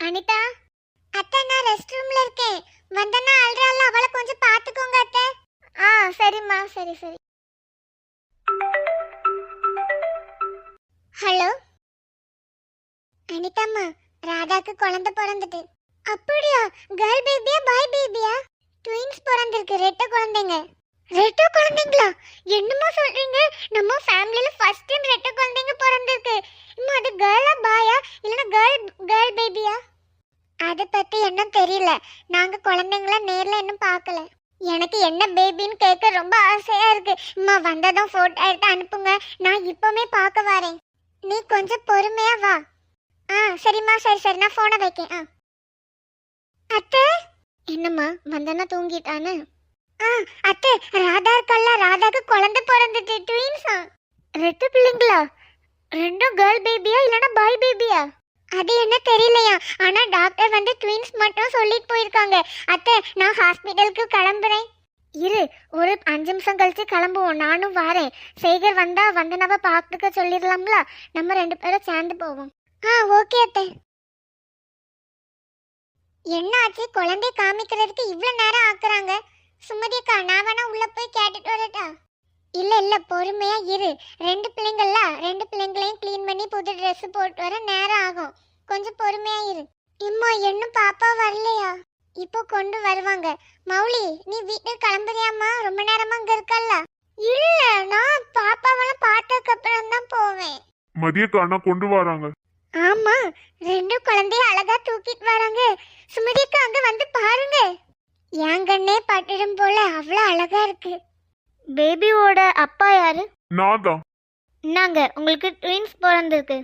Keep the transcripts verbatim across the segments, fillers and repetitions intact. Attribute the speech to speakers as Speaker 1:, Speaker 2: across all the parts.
Speaker 1: அனிதா, அத்தை நான் ரெஸ்ட் ரூம்ல இருக்கேன். வந்தனா அல்றால, அவளை கொஞ்சம் பாத்துக்கோங்க அத்தை. ஆ சரிம்மா, சரி சரி. ஹலோ அனிதாம்மா, ராதாக்கு குழந்தை பிறந்துட்டு. அப்படியா? கேர்ள் பேபியா பாய் பேபியா? ட்வின்ஸ் பிறந்திருக்கு, ரெட்டை குழந்தைங்க. ரெட்டை குழந்தைங்களா? என்னமோ சொல்றீங்க? நம்ம ஃபேமிலில ஃபர்ஸ்ட் டைம் ரெட்டை குழந்தைங்க பிறந்திருக்கு. அம்மா, அது கேர்ளா பாயா இல்லனா கேர்ள் கேர்ள் பேபியா? அத பத்தி என்ன தெரியல. நாங்க குழந்தைங்கள நேர்ல இன்னும் பார்க்கல. எனக்கு என்ன பேபின்னு கேட்க ரொம்ப ஆசையா இருக்கு. அம்மா வந்ததும் போட்டோ எடுத்து அனுப்புங்க, நான் இப்பவே பார்க்க வரேன். நீ கொஞ்சம் பொறுமையா வா. ஆ சரிம்மா, சரி சரி, நான் போனை வைக்கேன். ஆ அத்தை. என்னம்மா, வந்தனா தூங்கிட்டானே? ஆ அத்தை, ராதா இருக்கல்ல, ராதாக்கு குழந்தை பிறந்துட்டு, ட்வின்ஸா. ரெண்டு பிள்ளைங்களா? ரெண்டும் கேர்ள் பேபியா இல்லனா பாய் பேபியா? அது என்ன தெரியலையா, ஆனா டாக்டர் வந்து ட்வின்ஸ் மட்டும் சொல்லிட்டு போயிருக்காங்க. அத்தை, நான் ஹாஸ்பிட்டலுக்கு கிளம்புறேன். இரு, ஒரு அஞ்சு நிமிஷம் கழிச்சு கிளம்புவோம், நானும் வரேன். சேகர் வந்தா வந்தனவ பார்த்துக்க சொல்லிடலாம்ல, நம்ம ரெண்டு பேரும் சேர்ந்து போவோம். ஆ ஓகே அத்தை. என்ன ஆச்சு, குழந்தை காமிக்கிறதுக்கு இவ்வளவு நேரம் ஆக்குறாங்க? சுமதி அக்கா, நான் வேணா உள்ள போய் கேட்டுட்டு வரட்டா? இல்ல இல்ல, பொறுமையா இரு. ரெண்டு பிள்ளைங்கள ரெண்டு பிள்ளைங்களையும் க்ளீன் பண்ணி புது ட்ரெஸ் போட்டு வர நேரம் ஆகும். கொஞ்சம் பொறுமையா இரு. இம்மா, இன்னும் பாப்பா வரலையா? இப்போ கொண்டு வருவாங்க. மௌலி, நீ வீட்டுக்கு கிளம்புறியாம்மா? ரொம்ப நேரமா அங்க இருக்கல்ல? இல்ல, நான் பாப்பாவெல்லாம் பார்த்ததுக்கு அப்புறம் தான் போவேன்.
Speaker 2: மதியக்கா அண்ணா கொண்டு வராங்க.
Speaker 1: ஆமா, ரெண்டு குழந்தைய அழகா தூக்கிட்டு வராங்க. சுமதிக்கு அங்க வந்து பாருங்க. என் கண்ணே பட்டுடும் போல அவ்வளவு அழகா இருக்கு. பேபியோட அப்பா யாரு?
Speaker 2: நான் தான்.
Speaker 1: இன்னாங்க, உங்களுக்கு ட்வின்ஸ் பிறந்திருக்கு.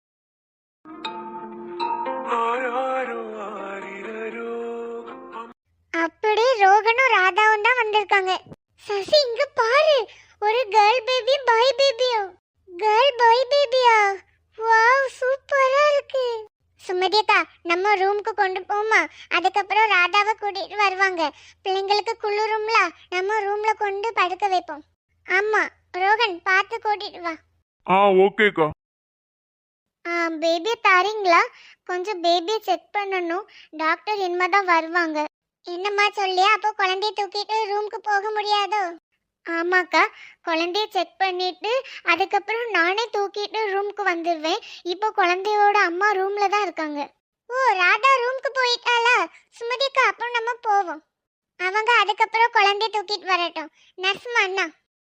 Speaker 1: அப்படி ரோகனும் ராதாவும் தான் வந்திருக்காங்க. சசி, இங்க பாரு, ஒரு கேர்ள் பேபி பாய் பேபியோ? கேர்ள் பாய் பேபியா? வாவ், சூப்பரா இருக்கு. சுமதி அக்கா, நம்ம ரூமுக்கு கொண்டு போமா, அதுக்கப்புறம் ராதாவை கூட்டிட்டு வருவாங்க. பிள்ளைங்களுக்கு குளிரும்ல, நம்ம ரூம்ல கொண்டு படுக்க வைப்போம். ஆமா, ரோகன் பார்த்து கூட்டிட்டு வா.
Speaker 2: ஆ ஓகேக்கா.
Speaker 1: ஆ பேபி தாரீங்களா? கொஞ்சம் பேபியை செக் பண்ணணும். டாக்டர் இனிமேதான் வருவாங்க. என்னம்மா சொல்லியா, அப்போ குழந்தைய தூக்கிட்டு ரூமுக்கு போக முடியாதோ? ஆமாக்கா, குழந்தைய செக் பண்ணிட்டு அதுக்கப்புறம் நானே தூக்கிட்டு ரூமுக்கு வந்துடுவேன். இப்போ குழந்தையோட அம்மா ரூம்ல தான் இருக்காங்க. ஓ, ராதா ரூமுக்கு போயிட்டாளா? சுமதிக்கா, அப்புறம் நம்ம போவோம். அவங்க அதுக்கப்புறம் குழந்தைய தூக்கிட்டு வரட்டும். நர்ஸ்மா அண்ணா.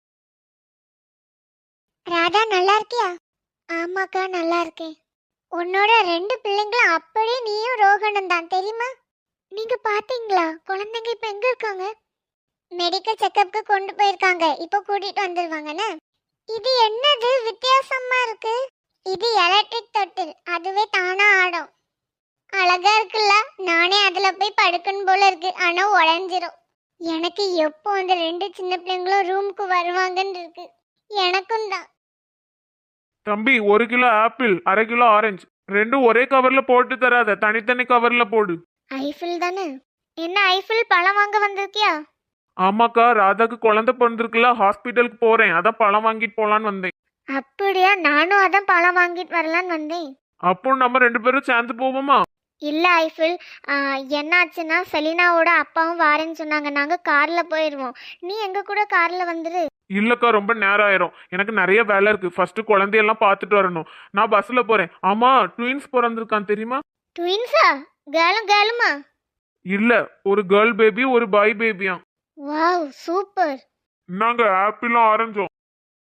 Speaker 1: ராதா நல்லா இருக்கியா? ஆமாக்கா, நல்லா இருக்கேன். உன்னோட ரெண்டு பிள்ளைங்களும் அப்படியே நீயும் ரோகனும் தான், தெரியுமா? நீங்க பாத்தீங்களா? குழந்தைங்க இப்ப எங்க இருக்காங்க? மெடிக்கல் செக்கப்க்கு கொண்டு போயிருக்காங்க, இப்போ கூட்டிட்டு வந்துருவாங்கன்னு. இது என்னது வித்தியாசமா இருக்கு? இது எலக்ட்ரிக் தொட்டில், அதுவே தானா ஆடும். அழகா இருக்குல்ல? நானே அதுல போய் படுக்கணும் போல இருக்கு, ஆனா உடஞ்சிரும். எனக்கு எப்போ அந்த ரெண்டு சின்ன பிள்ளைங்களும் ரூமுக்கு வருவாங்கன்னு இருக்கு. எனக்கும் தான்.
Speaker 2: தம்பி, ஒரு கிலோ ஆப்பிள், அரை கிலோ ஆரஞ்சு, ரெண்டும் ஒரே கவர்ல போட்டு தராத, தனித்தனி கவர்ல போடு.
Speaker 1: ஐஃபில் தானே? என்ன ஐஃபில், பழம் வாங்க வந்திருக்கியா?
Speaker 2: ஆமாக்கா, ராதாக்கு குழந்தை பிறந்திருக்குல்ல, ஹாஸ்பிட்டலுக்கு போறேன், அதான் பழம் வாங்கிட்டு போலான்னு வந்தேன்.
Speaker 1: அப்படியா? நானும் அதான் பழம் வாங்கிட்டு வரலான்னு வந்தேன்.
Speaker 2: அப்போ நம்ம ரெண்டு பேரும் சேர்ந்து போவோமா?
Speaker 1: இல்ல ஐஃபில், என்னாச்சுன்னா செலினாவோட அப்பாவும் வாரேன்னு சொன்னாங்க. நாங்க கார்ல போயிடுவோம், நீ எங்க கூட கார்ல வந்துரு.
Speaker 2: இல்லக்கா, ரொம்ப நேரம் ஆயிரும், எனக்கு நிறைய வேலை இருக்கு. ஃபர்ஸ்ட் குழந்தையெல்லாம் பார்த்துட்டு வரணும். நான் பஸ்ல போறேன். ஆமா, ட்வின்ஸ் பிறந்திருக்கான் தெரியுமா?
Speaker 1: ட்வின்ஸா? கேர்ளும் கேர்ளுமா?
Speaker 2: இல்ல, ஒரு கேர்ள் பேபி, ஒரு பாய் பேபியா.
Speaker 1: Wow, super.
Speaker 2: நாங்க ஆப்பிளும் ஆரஞ்சும்.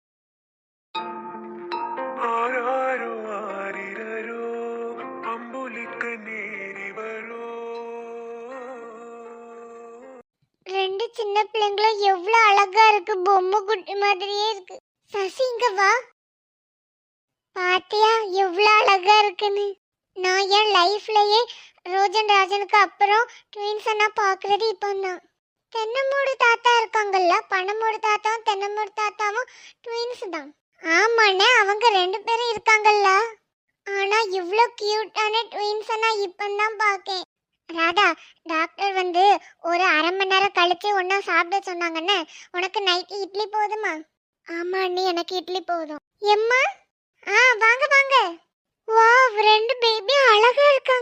Speaker 1: ரெண்டு சின்ன பிள்ளைங்களும் எவ்வளவு அழகா இருக்கு, பொம்மை குட்டி மாதிரியே இருக்கு. சசி, இங்க வா. பாத்தியா எவ்வளவு அழகா இருக்குன்னு? நான் என் லைஃப்லயே ரோஜன் ராஜனுக்கு அப்புறம் ட்வின்ஸை நான் பாக்குறது இப்போதான். தென்னமூடு தாத்தா இருக்காங்கல்ல, பனமூடு தாத்தாவும் தென்னமூடு தாத்தாவும் ட்வின்ஸ் தான். ஆமாண்ணே, அவங்க ரெண்டு பேரும் இருக்காங்கல்ல. ஆனா இவ்ளோ கியூட்டான ட்வின்ஸை நான் இப்பதான் பாக்கேன். ராதா, டாக்டர் வந்து ஒரு அரை மணி நேரம் கழிச்சு ஒன்னா சாப்பிட சொன்னாங்கன்னு. உனக்கு நைட்டு இட்லி போதுமா? ஆமா அண்ணி, எனக்கு இட்லி போதும். எம்மா, ஆ வாங்க வாங்க. வாவ், ரெண்டு பேபி அழகா இருக்காங்க.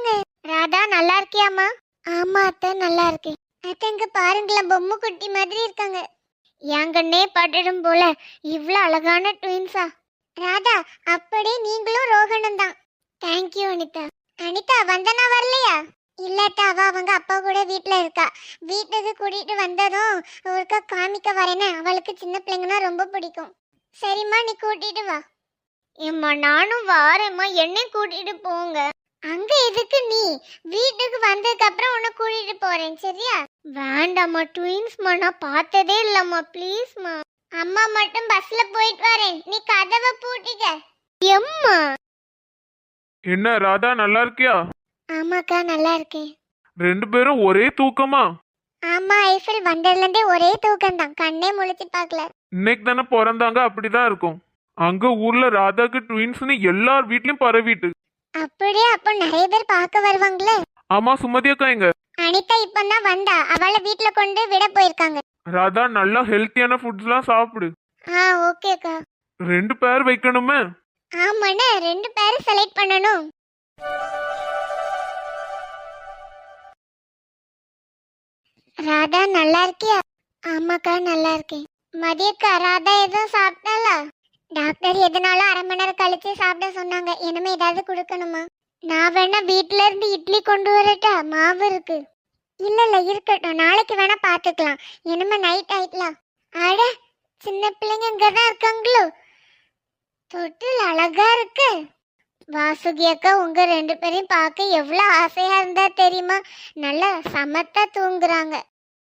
Speaker 1: ராதா நல்லா இருக்கியாம்மா? ஆமா அத்தை நல்லா இருக்கேன். அத்தங்க பாருங்களேன், பொம்மை குட்டி மாதிரி இருக்காங்க. என் கண்ணே பட்டுடும் போல இவ்வளோ அழகான ட்வின்ஸா? ராதா அப்படியே நீங்களும் ரோஹனும் தான். தேங்க்யூ அனிதா. அனிதா வந்தனா வரலையா? இல்லாட்டா அவ அவங்க அப்பா கூட வீட்டில் இருக்கா. வீட்டுக்கு கூட்டிட்டு வந்ததும் ஒருக்கா காமிக்க வரேன்னு. அவளுக்கு சின்ன பிள்ளைங்கன்னா ரொம்ப பிடிக்கும். சரிம்மா நீ கூட்டிட்டு வா. ஏம்மா நானும் வாரேம்மா, என்னையும் கூட்டிட்டு போங்க. அங்க எதுக்கு நீ? வீட்டுக்கு வந்ததுக்கு அப்புறம் உன்னை கூட்டிட்டு போறேன் சரியா? வேண்டாம்மா, ட்வின்ஸ்மா நான் பார்த்ததே இல்லம்மா, ப்ளீஸ்மா. அம்மா மட்டும் பஸ்ல போயிட்டு வரேன், நீ கதவை பூட்டிக்க. எம்மா.
Speaker 2: என்ன ராதா நல்லா இருக்கியா?
Speaker 1: ஆமாக்கா நல்லா இருக்கேன்.
Speaker 2: ரெண்டு பேரும் ஒரே தூக்கமா?
Speaker 1: ஆமா, ஐஃபில் வந்ததுல இருந்தே ஒரே தூக்கம் தான், கண்ணே முழிச்சு பார்க்கல.
Speaker 2: இன்னைக்கு தானே பிறந்தாங்க, அப்படிதான் இருக்கும். அங்க ஊர்ல ராதாக்கு ட்வின்ஸ்னு எல்லார் வீட்லயும் பரவிட்டு.
Speaker 1: அப்படியே அப்ப நிறைய பேர் பார்க்க வருவாங்களே.
Speaker 2: ஆமா, சுமதி அக்கா எங்க?
Speaker 1: அனிதா இப்பதான் வந்தா, அவளை வீட்ல கொண்டு விட போயிருக்காங்க.
Speaker 2: ராதா நல்லா ஹெல்த்தியான ஃபுட்ஸ்லாம் சாப்பிடு.
Speaker 1: ஆ ஓகேக்கா.
Speaker 2: ரெண்டு பேர் வைக்கணுமே.
Speaker 1: ஆமாண்ணே, ரெண்டு பேரும் செலக்ட் பண்ணணும். ராதா நல்லா இருக்கியா? ஆமாக்கா நல்லா இருக்கேன். மதியக்கா ராதா எதுவும் சாப்பிட்டாளா? டாக்டர் எதனாலும் அரை மணி நேரம் கழிச்சு சாப்பிட சொன்னாங்க. இனிமே ஏதாவது கொடுக்கணுமா? நான் வேணா வீட்ல இருந்து இட்லி கொண்டு வரட்டா? மாவு இருக்கு. இல்ல இல்ல இருக்கட்டும், நாளைக்கு வேணா பாத்துக்கலாம். இனிமே நைட் ஆயிட்டலாம். அட சின்ன பிள்ளைங்க இங்கதான் இருக்காங்களோ? தொட்டில் அழகா இருக்கு. வாசுகி அக்கா உங்க ரெண்டு பேரையும் பார்க்க எவ்வளவு ஆசையா இருந்தா தெரியுமா? நல்லா சமத்தா தூங்குறாங்க.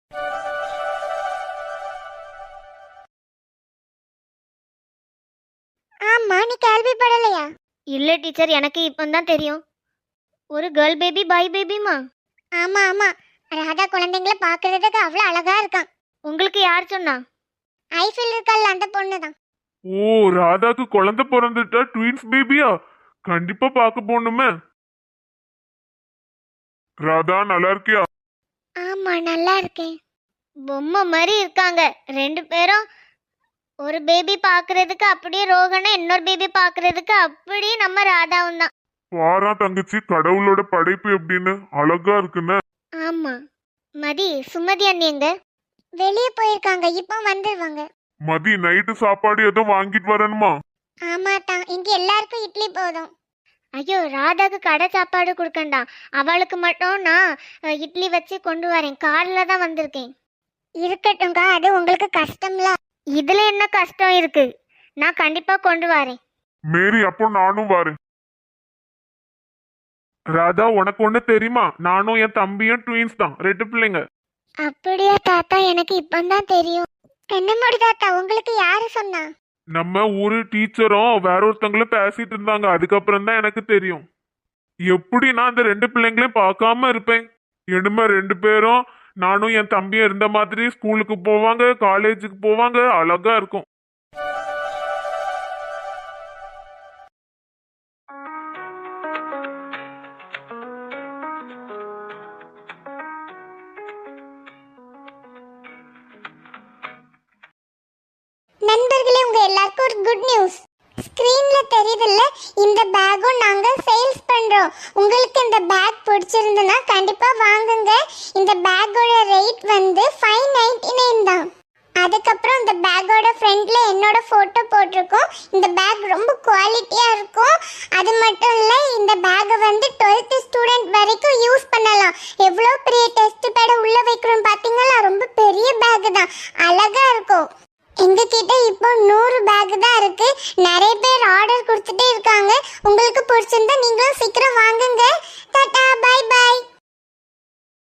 Speaker 1: ஆமா, நீ கேள்விப்படலையா?
Speaker 3: இல்ல டீச்சர், எனக்கு இப்பதான் தெரியும். ஒரு கேர்ள் பேபி பாய் பேபிமா?
Speaker 1: ஆமா ஆமா, ராதா குழந்தைங்கள பாக்குறதுக்கு அவ்வளவு அழகா இருக்கான்.
Speaker 3: உங்களுக்கு யார் சொன்னா?
Speaker 1: ஐஃபில் இருக்கல்ல அந்த பொண்ணுதான்.
Speaker 2: ஓ, ராதாக்கு குழந்தை பிறந்துட்டா ட்வின்ஸ் பேபியா? கண்டிப்பா பார்க்க போகணுமே. ராதா நல்லா இருக்கியா?
Speaker 1: ஆமா நல்லா இருக்கேன்.
Speaker 3: பொம்மை மாதிரி இருக்காங்க ரெண்டு பேரும். ஒரு பேபி பாக்குறதுக்கு அப்படியே ரோகனா, இன்னொரு பேபி பாக்குறதுக்கு அப்படியே நம்ம ராதாவும் தான்.
Speaker 2: வாரா தங்கச்சி, கடவுளோட படைப்பு எப்படின்னு அழகா இருக்குன்னு.
Speaker 3: ஆமா. மதி, சுமதி அண்ணி எங்க?
Speaker 1: வெளியே போயிருக்காங்க, இப்போ வந்துருவாங்க.
Speaker 2: மதி, நைட்டு சாப்பாடு எதுவும் வாங்கிட்டு வரணுமா?
Speaker 1: ஆமா தான், இங்க எல்லாருக்கும் இட்லி போதும்.
Speaker 3: ஐயோ, ராதாக்கு கடை சாப்பாடு கொடுக்கண்டா, அவளுக்கு மட்டும் நான் அஹ், இட்லி வச்சு கொண்டு வரேன். கார்ல தான் வந்திருக்கேன்.
Speaker 1: இருக்கட்டும்க்கா, அது உங்களுக்கு கஷ்டம்ல.
Speaker 3: இதுல என்ன கஷ்டம் இருக்கு? நான் கண்டிப்பா கொண்டு வரேன்.
Speaker 2: மேரி, அப்போ நானும் வரேன். ராதா, உனக்கு ஒண்ணு தெரியுமா? நானும் என் தம்பியும் ட்வின்ஸ் தான், ரெண்டு பிள்ளைங்க.
Speaker 1: அப்படியா தாத்தா? எனக்கு இப்பதான் தெரியும். என்ன முடி தாத்தா, உங்களுக்கு யாரு சொன்னா?
Speaker 2: நம்ம ஊரு டீச்சரும் வேற ஒருத்தங்களும் பேசிட்டு இருந்தாங்க, அதுக்கப்புறம் தான் எனக்கு தெரியும். எப்படி நான் அந்த ரெண்டு பிள்ளைங்களையும் பார்க்காம இருப்பேன்? இனிமே ரெண்டு பேரும் நானும் என் தம்பியும் இருந்த மாதிரி ஸ்கூலுக்கு போவாங்க, காலேஜுக்கு போவாங்க, அழகா இருக்கும்.
Speaker 1: நண்பர்களே, உங்க எல்லாருக்கும் ஒரு குட் நியூஸ். ஸ்கிரீன்ல தெரியுதுல்ல, இந்த பேக்கும் நாங்க சேல்ஸ் பண்றோம். உங்களுக்கு இந்த பேக் பிடிச்சிருந்ததுன்னா கண்டிப்பா வாங்குங்க. இந்த பேக்கோட ரேட் வந்து ஃபைவ் நைன்டி நைன் தான். அதுக்கப்புறம் இந்த பேக்கோட ஃப்ரண்ட்ல என்னோட போட்டோ போட்டிருக்கோம். இந்த பேக் ரொம்ப குவாலிட்டியா இருக்கும். அது மட்டும் இல்ல, இந்த பேக்கை வந்து டுவெல்த் ஸ்டூடெண்ட் வரைக்கும் யூஸ் பண்ணலாம். எவ்வளோ பெரிய டெஸ்ட் பேட உள்ள வைக்கிறோம் பாத்தீங்களா? ரொம்ப பெரிய பேக் தான், அழகா இருக்கும். எங்க கிட்ட இப்போ நூறு பேக் தான் இருக்கு. நிறைய பேர் ஆர்டர் கொடுத்துட்டே இருக்காங்க. உங்களுக்கு பிடிச்சிருந்தா நீங்களும் சீக்கிரம் வாங்குங்க. Tata, bye by.